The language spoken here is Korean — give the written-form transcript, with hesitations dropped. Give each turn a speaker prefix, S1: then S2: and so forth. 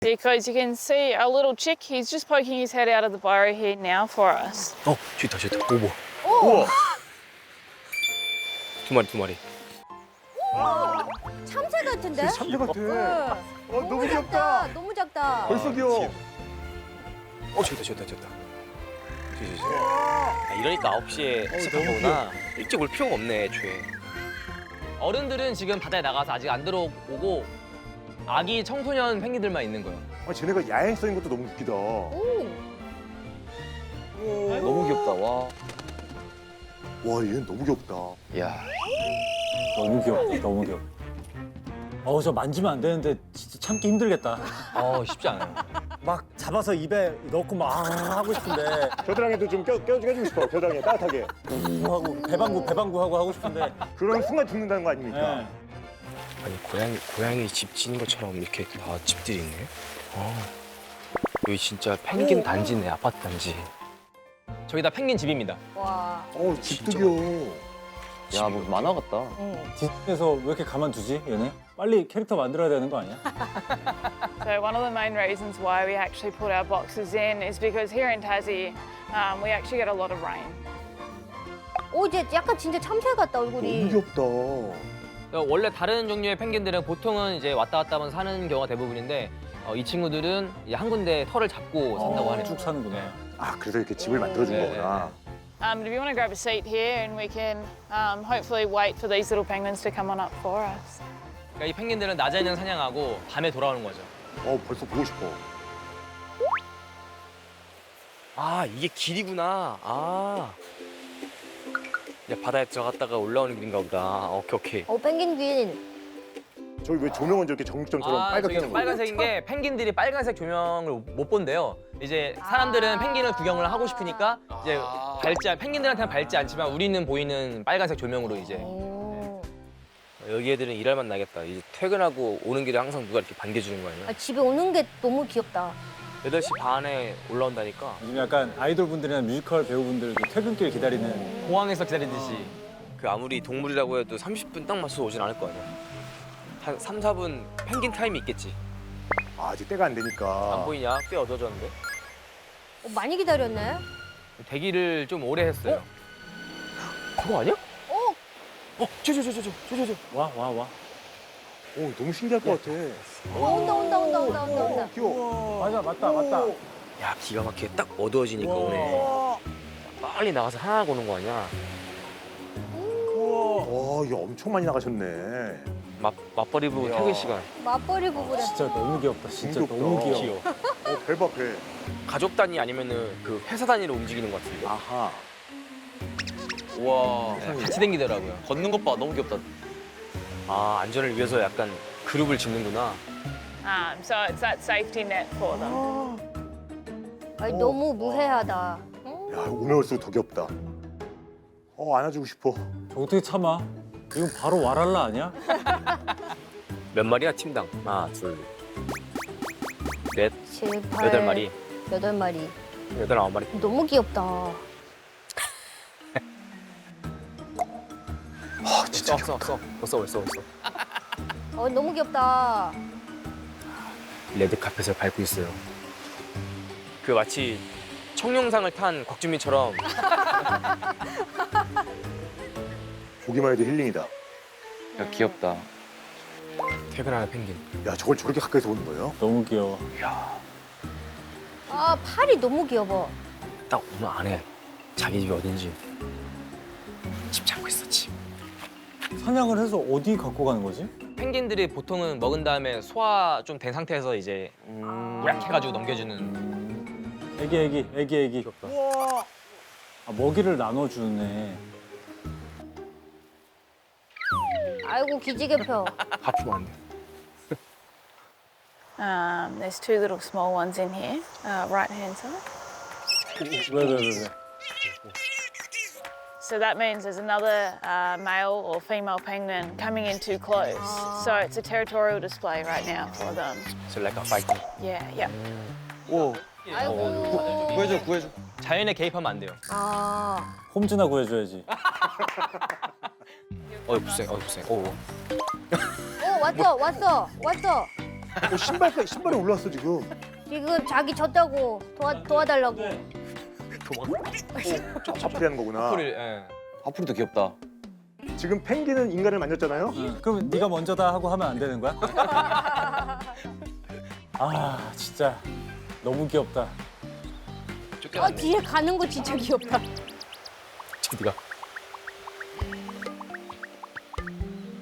S1: Because you can see our little chick, he's just poking his head out of the burrow here now for us.
S2: 좋다 좋다. 오버.
S3: 우와.
S2: 두 마리 두 마리.
S4: 참새 같은데?
S3: 참새 같아. 너무
S4: 작다.
S3: 귀엽다.
S4: 너무 작다.
S3: 벌써 귀여워.
S2: 좋다 좋다 좋다. 이러니까 9시에 시작한 거구나. 일찍 올 필요가 없네 애초에.
S5: 어른들은 지금 바다에 나가서 아직 안 들어오고 아기 청소년 펭귄들만 있는 거예요.
S3: 쟤네가 야행성인 것도 너무 웃기다.
S4: 오.
S5: 너무 귀엽다. 와.
S3: 와, 얘는 너무 귀엽다.
S5: 야.
S6: 너무 귀엽다. 너무 귀엽다. 저 만지면 안 되는데 진짜 참기 힘들겠다.
S5: 쉽지 않아요.
S6: 막 잡아서 입에 넣고 막 하고 싶은데
S3: 겨드랑이도 좀 껴주고 싶어. 겨드랑이 따뜻하게.
S6: 하고 배방구 하고 싶은데.
S3: 그런 순간 죽는다는 거 아닙니까?
S6: 네.
S2: 아니 고양이 집 지은 것처럼 이렇게 다 집들이 있네. 여기 진짜 펭귄 단지네 아파트 단지.
S5: 저기 다 펭귄 집입니다.
S4: 와.
S3: 집도
S2: 진짜
S3: 귀여워.
S5: 야, 뭐 만화 같다.
S6: 디즈니에서 왜 이렇게 가만두지 얘네? 빨리 캐릭터 만들어야 되는 거 아니야?
S1: So one of the main reasons why we actually put our boxes in is because here in Tassie, we actually get a lot of rain.
S4: 오, 이제 약간 진짜 참새 같다, 얼굴이.
S3: 너무 귀엽다.
S5: 원래 다른 종류의 펭귄들은 보통은 이제 왔다 갔다 하면 사는 경우가 대부분인데 이 친구들은 이제 한 군데 털을 잡고 산다고 하네요.
S6: 쭉 사는구나.
S5: 네.
S3: 그래서 이렇게 집을 만들어준
S5: 네,
S3: 거구나.
S1: But if you want to grab a seat here and we can hopefully wait for these little penguins to come on up for us.
S5: 그러니까 이 펭귄들은 낮에는 사냥하고 밤에 돌아오는 거죠.
S3: 벌써 보고 싶어.
S2: 이게 길이구나. 이제 바다에 들어갔다가 올라오는 길인가 보다. 오케이.
S4: 펭귄.
S3: 저기 왜 조명은 저렇게 정육점처럼 빨갛게
S5: 저기
S3: 하는 거야?
S5: 빨간색인 게 펭귄들이 빨간색 조명을 못 본대요. 이제 사람들은 펭귄을 구경을 하고 싶으니까 이제 펭귄들한테는 밝지 않지만 우리는 보이는 빨간색 조명으로 이제.
S4: 오.
S2: 여기 애들은 일할만 나겠다. 이제 퇴근하고 오는 길에 항상 누가 이렇게 반겨주는 거 아니야?
S4: 집에 오는 게 너무 귀엽다.
S2: 8시 반에 올라온다니까.
S6: 요즘 약간 아이돌 분들이나 뮤지컬 배우분들도 퇴근길 기다리는.
S5: 공항에서 기다리듯이.
S2: 그 아무리 동물이라고 해도 30분 딱 맞춰서 오진 않을 거 아니야. 한 3, 4분 펭귄 타임이 있겠지.
S3: 아직 때가 안 되니까.
S2: 안 보이냐? 꽤 어두워졌는데.
S4: 많이 기다렸네.
S5: 대기를 좀 오래 했어요.
S2: 그거 아니야? 저.
S6: 와.
S3: 너무 신기할 것 같아.
S4: 온다.
S3: 귀여워.
S6: 맞다.
S2: 야, 기가 막히게 딱 어두워지니까 오네. 빨리 나가서 하나 보는 거 아니야?
S3: 와, 이거 엄청 많이 나가셨네.
S2: 맞벌이 부부 퇴근 시간.
S4: 맞벌이 부부래.
S6: 진짜 너무 귀엽다. 진짜
S3: 귀엽다.
S6: 너무 귀여워.
S3: 배 봐, 배.
S2: 가족 단위 아니면은 그 회사 단위로 움직이는 것 같은데.
S3: 아하.
S5: 우와. 같이 댕기더라고요. 걷는 것 봐. 너무 귀엽다.
S2: 안전을 위해서 약간 그룹을 짓는구나.
S1: So it's that safety net for them.
S4: 아니, 너무 무해하다.
S3: 야, 오면 올수록 더 귀엽다. 안아주고 싶어.
S6: 저 어떻게 참아? 이건 바로 와랄라 아니야?
S2: 몇 마리야, 팀당? 하나, 둘, 넷,
S4: 7, 8,
S2: 8마리.
S4: 8마리.
S2: 8, 9마리.
S4: 너무 귀엽다.
S2: 진짜 왔어. 벌써.
S4: 너무 귀엽다.
S2: 레드 카펫을 밟고 있어요. 그 마치 청룡상을 탄 곽준민처럼.
S3: 보기만 해도 힐링이다.
S5: 야, 귀엽다.
S2: 퇴근하는 펭귄.
S3: 야, 저걸 저렇게 가까이서 보는 거예요?
S6: 너무 귀여워.
S4: 팔이 너무 귀여워.
S2: 딱 오늘 안에 자기 집이 어딘지 집 잡고 있어, 집.
S6: 사냥을 해서 어디 갖고 가는 거지?
S5: 펭귄들이 보통은 먹은 다음에 소화 좀 된 상태에서 이제 우락해가지고 넘겨주는.
S6: 애기. 먹이를 나눠주네.
S4: 아이고, 기지개 펴.
S2: 하프면 안 돼.
S1: There's two little small ones in here, right hand side.
S6: 왜?
S1: So that means there's another male or female penguin coming in too close. So it's a territorial display right now for them.
S2: So like a fighting.
S1: Yeah.
S4: 아이고.
S5: 구해줘. 자연에 개입하면 안 돼요.
S6: 홈즈나 구해줘야지.
S2: 어이, 불쌍해.
S4: 왔어.
S3: 신발에 올라왔어 지금.
S4: 지금 자기 졌다고 도와달라고.
S3: 화풀이 하는 거구나.
S5: 소리를, 예.
S2: 화풀이도 귀엽다.
S3: 지금 펭귄은 인간을 만졌잖아요.
S6: 그럼 네가 먼저다 하고 하면 안 되는 거야? 아 진짜 너무 귀엽다.
S4: 뒤에 가는 거 진짜 귀엽다.
S5: 네가